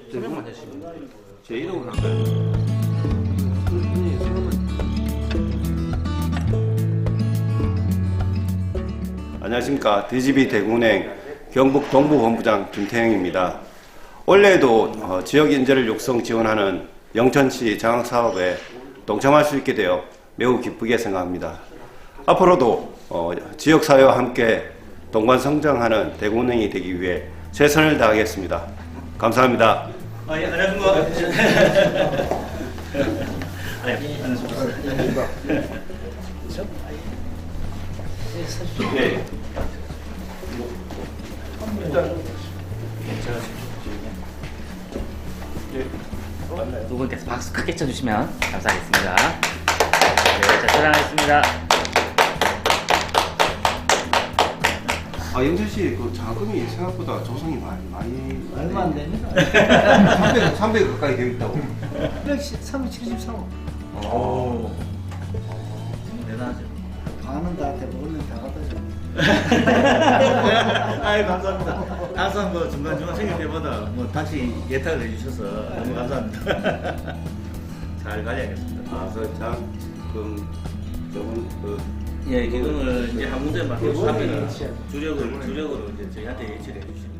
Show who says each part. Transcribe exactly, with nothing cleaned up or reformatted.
Speaker 1: 소명만 되시면 제 이름은 할까요?
Speaker 2: 안녕하십니까. 디지비 대구은행 경북 동부본부장 김태형입니다. 올해에도 어, 지역 인재를 육성 지원하는 영천시 장학사업에 동참할 수 있게 되어 매우 기쁘게 생각합니다. 앞으로도 어, 지역사회와 함께 동반성장하는 대구은행이 되기 위해 최선을 다하겠습니다. 감사합니다.
Speaker 3: 아, 예, 안녕하십니까. 아, 예, 안녕하십니까.
Speaker 2: 네.
Speaker 3: 두 분께서 박수 크게 쳐주시면 감사하겠습니다. 네, 자, 사랑하겠습니다.
Speaker 2: 아, 영철 씨, 그 자금이 생각보다 조성이 많이 많이
Speaker 4: 얼마 안 됩니다.
Speaker 2: 삼백, 삼백 가까이 되어 있다고.
Speaker 4: 삼백칠십삼 억.
Speaker 3: 오. 대단하죠.
Speaker 4: 반은 나한테 먹으면 다 갖다 줘.
Speaker 3: 아유, 감사합니다. 항상 뭐 중간중간 생길 때마다 뭐 다시 예탁을 해주셔서 너무 감사합니다. 잘 관리하겠습니다.
Speaker 2: 아, 그 장, 그 저분 그
Speaker 3: 예, 기금을 이제 한 군데 맡겨서 하면 주력을, 주력으로 이제 저희한테 예치를 해주시고.